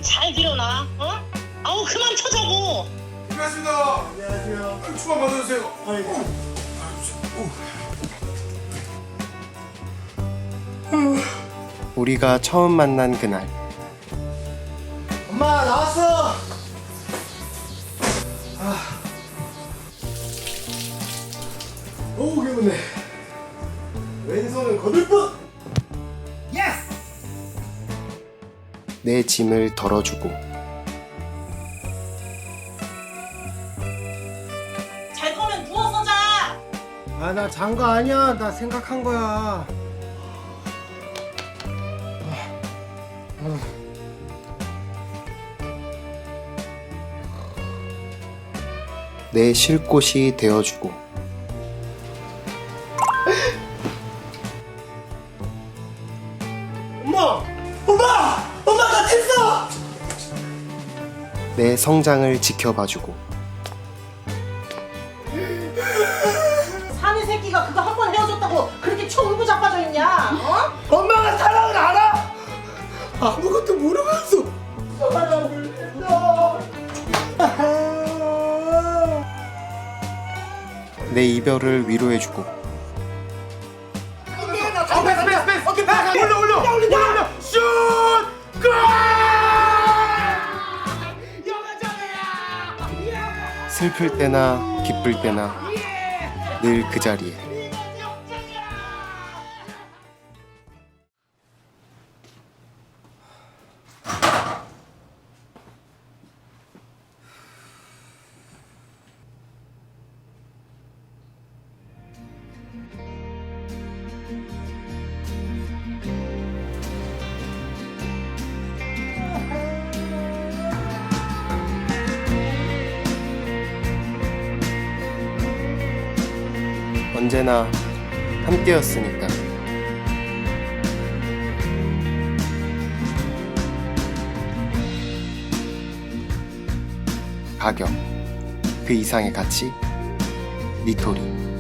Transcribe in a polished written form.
잘 들여놔. 어? 아우 그만 쳐자고. 반갑습니다. 안녕하세요. 추가 받아주세요. 우리가 처음 만난 그날 엄마 나왔어. 어우 개운해. 왼손은 거들뿐. 내 짐을 덜어주고 잘 거면 누워서 자. 아 나 잔 거 아니야. 나 생각한 거야. 내 쉴 곳이 되어주고 엄마! 엄마! 엄마 나 됐어! 내 성장을 지켜봐주고 사내 새끼가 그거 한 번 헤어졌다고 그렇게 쳐울고 자빠져 있냐? 어? 엄마가 사랑을 알아? 아무것도 모르면서 사랑을 했어. 내 이별을 위로해주고 패스. 오케이, 패스. 올려. 슛! 골! 슬플 때나 기쁠 때나 늘 그 자리에 언제나 함께였으니까. 가격 그 이상의 가치 니토리.